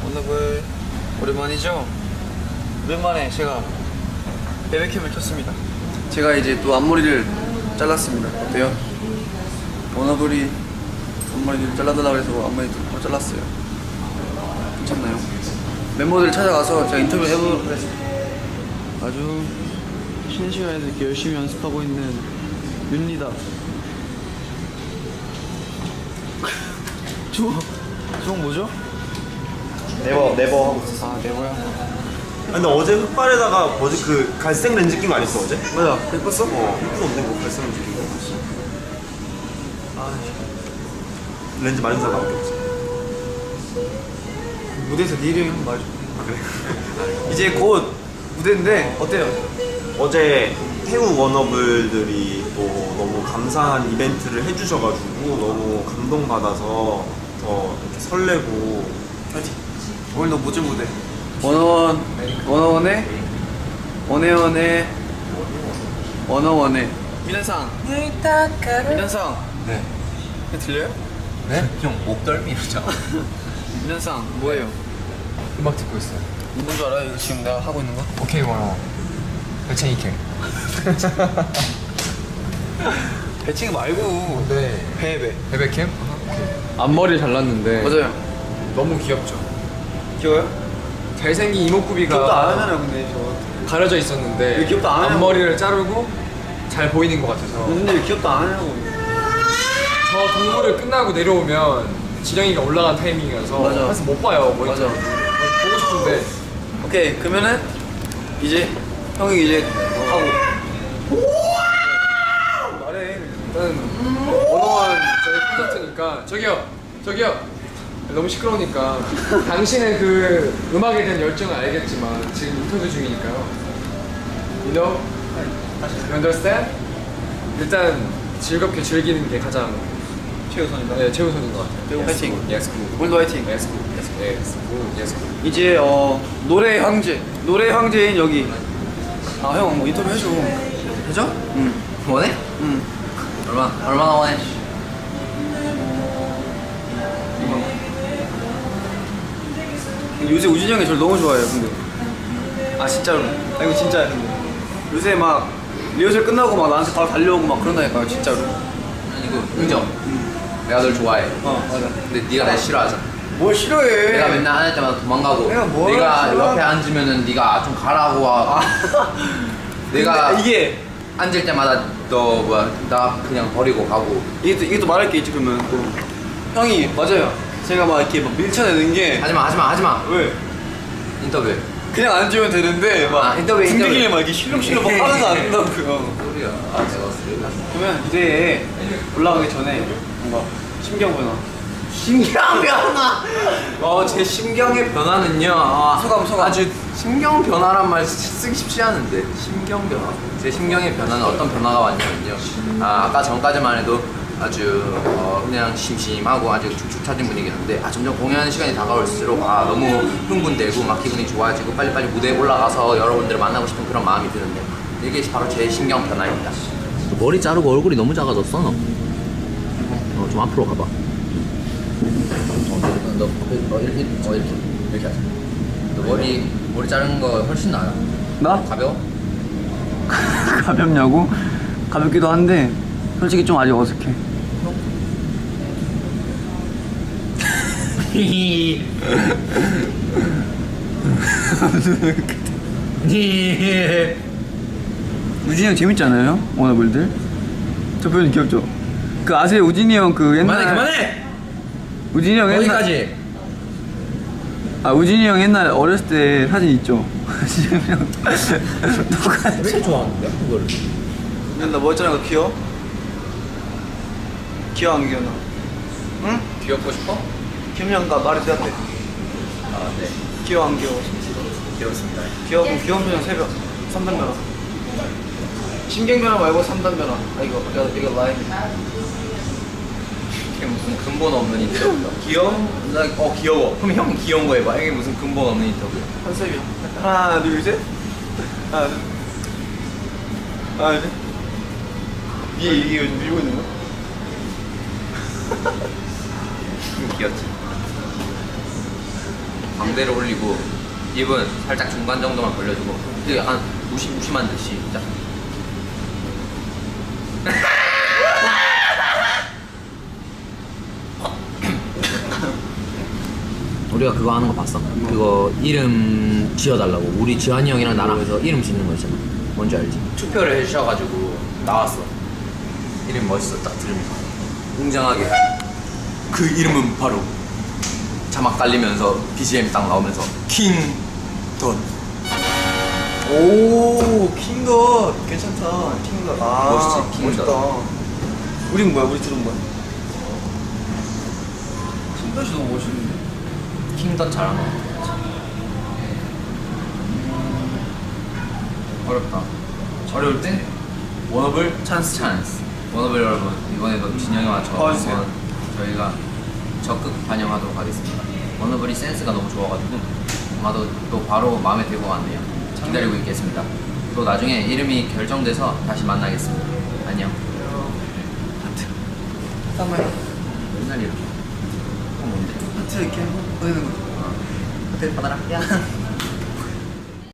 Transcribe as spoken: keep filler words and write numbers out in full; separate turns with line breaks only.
워너블 오랜만이죠? 오랜만에 제가 베베캠을 켰습니다. 제가 이제 또 앞머리를 잘랐습니다. 어때요? 워너블이 앞머리를 잘라달라고 해서 앞머리 또 잘랐어요. 괜찮나요? 멤버들 찾아가서 제가 인터뷰 해보도록 하겠습니다. 아주 쉬는 시간에도 이렇게 열심히 연습하고 있는 윤리다. 주먹, 주먹 뭐죠?
네버 네버 하고 있었어.
아, 네모야.
근데 어제 흑발에다가 뭐지 그 갈색 렌즈 낀 거 아니었어 어제?
맞아, 예뻤어?
어 예쁜 없네 그 갈색 렌즈 낀 거. 아 렌즈 많은 사람밖에 없어.
무대에서 네 이름이 한번 말해줘.
아 그래?
이제 곧 무대인데 어때요?
어제 태우 워너블들이 또 너무 감사한 이벤트를 해주셔가지고 너무 감동받아서 더 이렇게 설레고.
파이팅. 오늘 너 무슨 무대? 원어원, 원어원의 원해원의 원어원의 민현상. 민현상.
네.
들려요?
네? 형 목덜미 이러잖아.
민현상 뭐예요?
음악 듣고 있어요.
뭔 줄 알아요? 이거 지금 내가 하고 있는 거?
오케이 원어. 배창이 캠.
배칭 말고
네.
배배.
베베 캠? 앞머리 잘랐는데
맞아요.
너무 귀엽죠.
귀여워요?
잘생긴 이목구비가
귀엽다 안 하잖아요 근데 저.
가려져 있었는데
왜 귀엽다 안 하냐고.
앞머리를 자르고 잘 보이는 것 같아서
근데 왜 귀엽다 안 하냐고.
저 동물을 끝나고 내려오면 지령이가 올라간 타이밍이라서
맞아.
그래서 못 봐요. 뭐
맞아.
보고 싶은데
오케이 그러면은 이제 형이 이제 하고. 말해.
일단 원어원 저희 콘서트니까 저기요 저기요 너무 시끄러우니까 당신의 그 음악에 대한 열정을 알겠지만 지금 인터뷰 중이니까요. You know? You understand? 일단 즐겁게 즐기는 게 가장
최우선이다.
네, 최우선인 것 같아요.
그리고 화이팅.
Yes, good.
오늘도 화이팅.
Yes, good. Yes, good. Yes, good. Yes, good.
이제 어 노래 황제 노래 황제인 여기. 아 형 뭐 인터뷰 해줘. 해줘? 응.
원해?
응.
얼마 얼마나 원해?
요새 우진이 형이 저를 너무 좋아해요 근데. 아 진짜로. 아 이거 진짜야 근데. 요새 막 리허설 끝나고 막 나한테 바로 달려오고 막 그런다니까요 진짜로.
아니 이거 인정. 내가 널 좋아해.
어 맞아.
근데 네가 날 싫어하잖아.
뭘 싫어해?
내가 맨날 안 할 때마다 도망가고.
내가 뭘
네가
싫어하-
옆에 앉으면은 네가 좀 가라고 하고. 내가
근데 이게
앉을 때마다 너 뭐야 나 그냥 버리고 가고.
이게 또, 이게 또 말할 게 있지 그러면 또 형이 맞아요. 제가 막 이렇게 막 밀쳐내는 게
하지마 하지마 하지마.
왜?
인터뷰.
그냥 앉으면 되는데 막
아, 인터뷰,
등등이에
인터뷰.
막 이렇게 실룩실룩 막 하면서 안 된다고요.
소리야. 아 내가 쓰레기.
그러면 무대에 올라가기 전에 뭔가 심경 변화.
심경 변화. 어제 심경의 변화는요. 아,
소감, 소감.
아주 심경 변화란 말 쓰기 쉽지 않은데 심경 변화. 제 심경의 변화는 어떤 변화가 왔냐면요. 아 아까 전까지만 해도 아주 어, 그냥 심심하고 아주 축축 처진 분위기였는데 아 점점 공연 시간이 다가올수록 아 너무 흥분되고 막 기분이 좋아지고 빨리빨리 무대에 올라가서 여러분들을 만나고 싶은 그런 마음이 드는데 이게 바로 제 심경 변화입니다. 머리 자르고 얼굴이 너무 작아졌어 너. 어, 좀 앞으로 가봐. 어, 너, 너, 어, 이렇게, 어, 이렇게, 이렇게 하자. 너 머리, 머리 자른 거 훨씬 나아.
나?
가벼워?
가볍냐고? 가볍기도 한데 솔직히 좀 아직 어색해. 우진이 형 재밌지 않아요? 워너블들? 저 표현 귀엽죠? 그 아세요? 우진이 형 그 옛날
그만해, 그만해!
우진이 형 옛날
어디까지?
아 우진이 형 옛날 어렸을 때 사진 있죠? 지금 형 똑같이
왜 이렇게 좋아하는데, 그거를?
나뭐 했잖아 그 귀여워? 귀여워 안 귀여워 나? 응?
귀엽고 싶어?
김영가 말이 되었대.
아, 네.
귀여워 안 귀여워?
귀엽습니다.
귀여워 귀여운 표현 세 번. 삼 단 변화. 신경 변화 말고 삼 단 변화. 아 이거 이거 이거 라인.
이게 무슨 근본 없는 인터뷰다.
귀여워?
나, 어, 귀여워. 그럼 형 귀여운 거 해봐. 이게 무슨 근본 없는 인터뷰야.
컨셉이야. 하나 둘 셋. 하나 둘. 하나 둘. 이게 이게 요즘 밀고 있는 거?
귀엽지? 광대를 올리고 입은 살짝 중간 정도만 벌려주고 되게 약간 무시무시만 듯이 딱. 우리가 그거 하는 거 봤어? 그거 이름 지어달라고 우리 지환이 형이랑 나랑 해서 이름 짓는 거 있잖아. 뭔지 알지? 투표를 해주셔가지고 나왔어. 이름 멋있어. 딱 들으면서 웅장하게 그 이름은 바로 자막 깔리면서 비지엠 딱 나오면서 킹돈.
오 킹덧 괜찮다. 킹덧. 아
멋있지, 킹덧.
멋있다. 우린 뭐야? 우리 둘은 뭐야? 킹덧이 너무 멋있는데.
킹돈 잘하는 거 같아. 어렵다. 어려울 때 워너블 찬스 찬스. 워너블 여러분 이번에도 진영이와 저
도와주세요.
한번 저희가 적극 반영하도록 하겠습니다. 워너블이 센스가 너무 좋아가지고 아마도 또 바로 마음에 들고 왔네요. 기다리고 있겠습니다. 또 나중에 이름이 결정돼서 다시 만나겠습니다. 안녕. 하트.
잠깐만요.
맨날 이렇게. 어, 뭔데?
하트 이렇게 보내는 거.
하트 받아라. 야.